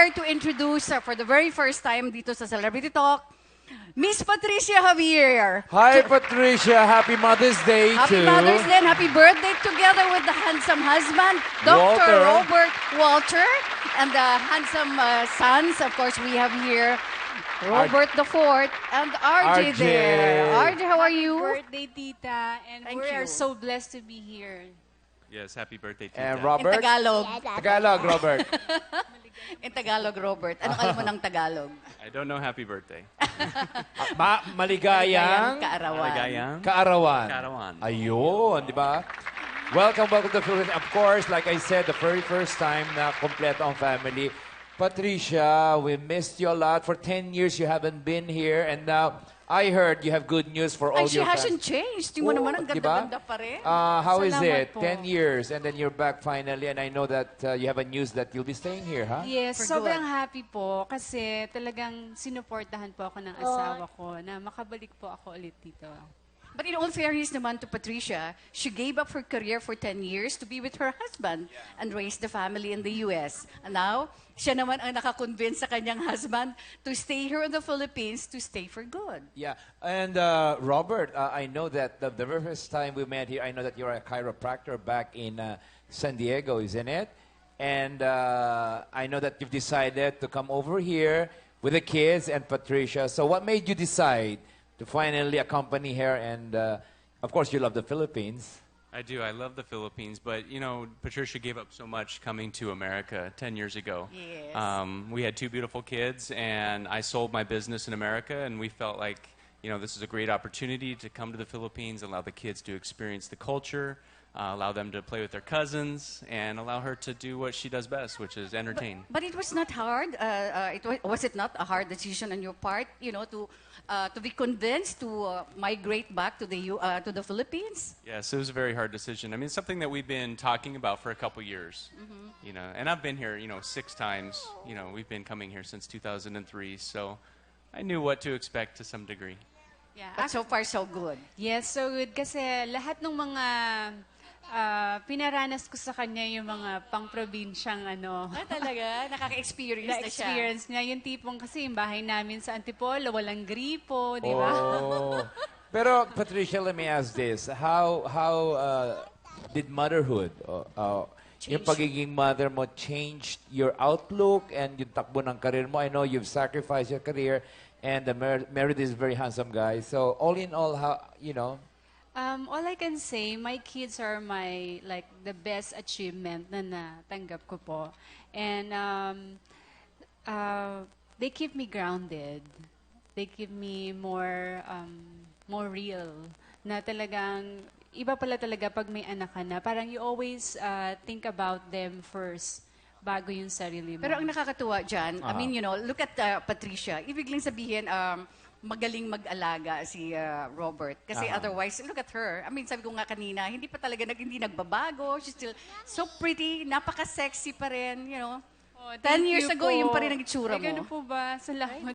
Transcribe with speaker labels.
Speaker 1: here to introduce for the very first time dito sa Celebrity Talk, Miss Patricia Javier.
Speaker 2: Hi, Patricia. Happy Mother's Day
Speaker 1: Happy
Speaker 2: to
Speaker 1: Mother's Day and happy birthday together with the handsome husband, Dr.
Speaker 2: Walter.
Speaker 1: Robert Walter, and the handsome sons. Of course, we have here Robert the Fourth and RJ
Speaker 2: RJ.
Speaker 1: there. RJ, how are you?
Speaker 3: Birthday, Tita, and
Speaker 1: Thank
Speaker 3: we
Speaker 1: you.
Speaker 3: are so blessed to be here.
Speaker 4: Yes, happy birthday, Tita.
Speaker 2: And
Speaker 1: In
Speaker 2: Robert.
Speaker 1: Tagalog.
Speaker 2: Tagalog, Robert.
Speaker 1: In Tagalog, Robert. Ano alam mo ng Tagalog?
Speaker 4: I don't know happy birthday.
Speaker 2: Maligayang
Speaker 1: Kaarawan.
Speaker 4: Maligayang
Speaker 2: kaarawan.
Speaker 4: Kaarawan.
Speaker 2: Ayun, di ba? Welcome to the Philippines. Of course, like I said, the very first time na kompleto ang family. Patricia, we missed you a lot. For 10 years, you haven't been here. And now, I heard you have good news for all
Speaker 1: And she
Speaker 2: your
Speaker 1: hasn't
Speaker 2: fans.
Speaker 1: changed. Tingnan mo naman, ang
Speaker 2: di
Speaker 1: ganda-ganda
Speaker 2: ba?
Speaker 1: pa rin.
Speaker 2: How is it?
Speaker 3: Salamat po.
Speaker 2: 10 years, and then you're back finally. And I know that you have a news that you'll be staying here, huh?
Speaker 3: Yes,
Speaker 1: For
Speaker 3: sobrang
Speaker 1: good.
Speaker 3: happy po kasi talagang sinuportahan po ako ng asawa ko na makabalik po ako ulit dito.
Speaker 1: But in all fairness naman to Patricia, she gave up her career for 10 years to be with her husband and raise the family in the U.S. And now, siya naman ang nakakonvince sa kanyang husband to stay here in the Philippines to stay for good.
Speaker 2: Yeah, and Robert, I know that the very first time we met here, I know that you're a chiropractor back in San Diego, isn't it? And I know that you've decided to come over here with the kids and Patricia. So what made you decide to finally accompany her? And of course, you love the Philippines.
Speaker 4: I do. I love the Philippines, but you know, Patricia gave up so much coming to America 10 years ago.
Speaker 1: Yes.
Speaker 4: We had two beautiful kids, and I sold my business in America, and we felt like, you know, this is a great opportunity to come to the Philippines, allow the kids to experience the culture, allow them to play with their cousins, and allow her to do what she does best, which is entertain.
Speaker 1: But it was not hard. Was it not a hard decision on your part, you know, to be convinced to migrate back to the Philippines?
Speaker 4: Yes, it was a very hard decision. I mean, it's something that we've been talking about for a couple years. You know, and I've been here, you know, 6 times. You know, we've been coming here since 2003, so I knew what to expect to some degree.
Speaker 3: Yeah.
Speaker 1: But so far, so good.
Speaker 3: Yes, so good kasi lahat ng mga pinaranas ko sa kanya yung mga pang-probinsyang ano.
Speaker 1: Talaga? Nakaka-experience na siya.
Speaker 3: Na-experience niya. Yung tipong kasi yung bahay namin sa Antipolo, walang gripo, di ba?
Speaker 2: Oh. Pero Patricia, let me ask this: How did motherhood, yung pagiging mother mo, changed your outlook and yung takbo ng career mo? I know you've sacrificed your career, and married is a very handsome guy. So all in all, how you know?
Speaker 3: All I can say, my kids are the best achievement na natanggap ko po. And they keep me grounded. They keep me more real. Na talagang, iba pala talaga pag may anak ka na. Parang you always think about them first bago yung sarili mo.
Speaker 1: Pero ang nakakatuwa dyan, I mean, you know, look at Patricia. Ibig lang sabihin, magaling mag-alaga si Robert. Kasi otherwise, look at her. I mean, sabi ko nga kanina, hindi nagbabago. She's still so pretty, napaka-sexy pa rin, you know.
Speaker 3: Oh,
Speaker 1: 10
Speaker 3: thank
Speaker 1: years
Speaker 3: you
Speaker 1: ago,
Speaker 3: po.
Speaker 1: yun pa rin ang itsura
Speaker 3: Ay,
Speaker 1: mo.
Speaker 3: ganun po ba? Salamat.